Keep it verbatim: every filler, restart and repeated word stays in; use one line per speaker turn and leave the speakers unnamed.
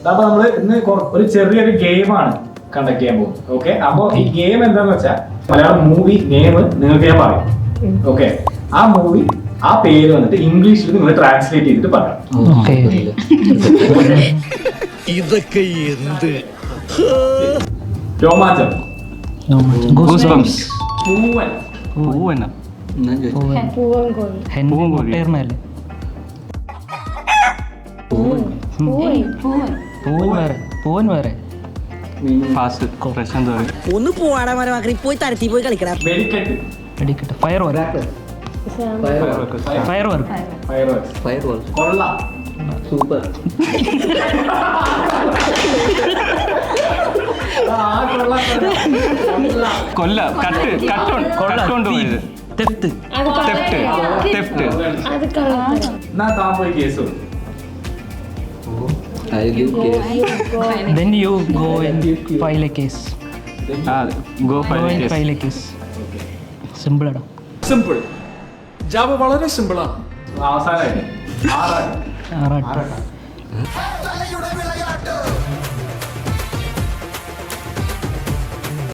അപ്പൊ നമ്മള് ഇന്ന് ഒരു ചെറിയൊരു ഗെയിമാണ് കണ്ടക്ട് ചെയ്യാൻ പോകും. ഓക്കെ, അപ്പൊ ഈ ഗെയിം എന്താന്ന് വെച്ചാൽ മലയാളം മൂവി നെയിം നിങ്ങൾക്ക് ഞാൻ പറയും. ഓക്കെ, ആ മൂവി ആ പേര് വന്നിട്ട് ഇംഗ്ലീഷിൽ നിങ്ങൾ ട്രാൻസ്ലേറ്റ് ചെയ്തിട്ട് പറയാം.
ഇതൊക്കെ എന്ത്
രോമാഞ്ചം,
പൂവൻ
പൂവൻ
പൂവൻ വേറെ
ഒന്ന് പോവാടാ മരമാക്കി പോയി തരത്തി പോയി കളിക്കടാ.
വെടിക്കെട്ട്,
വെടിക്കെട്ട്, fire work, fire work,
fire work, കൊള്ള,
സൂപ്പർ,
കൊല്ല, കട്ട്, കട്ടുണ്ട് പോയത്, തെഫ്റ്റ്, തെഫ്റ്റ്, തെഫ്റ്റ്.
എന്നാ താൻ പോയി കേസ് കൊടുക്കും.
Then you go and file a case.
Go
file a case. File a case. Simple ആണ്.
സിമ്പിൾ. ജാവ വളരെ സിമ്പിളാണ്.
അവസാനമായിട്ട് ആറാട്ട്.
ആറാട്ട്.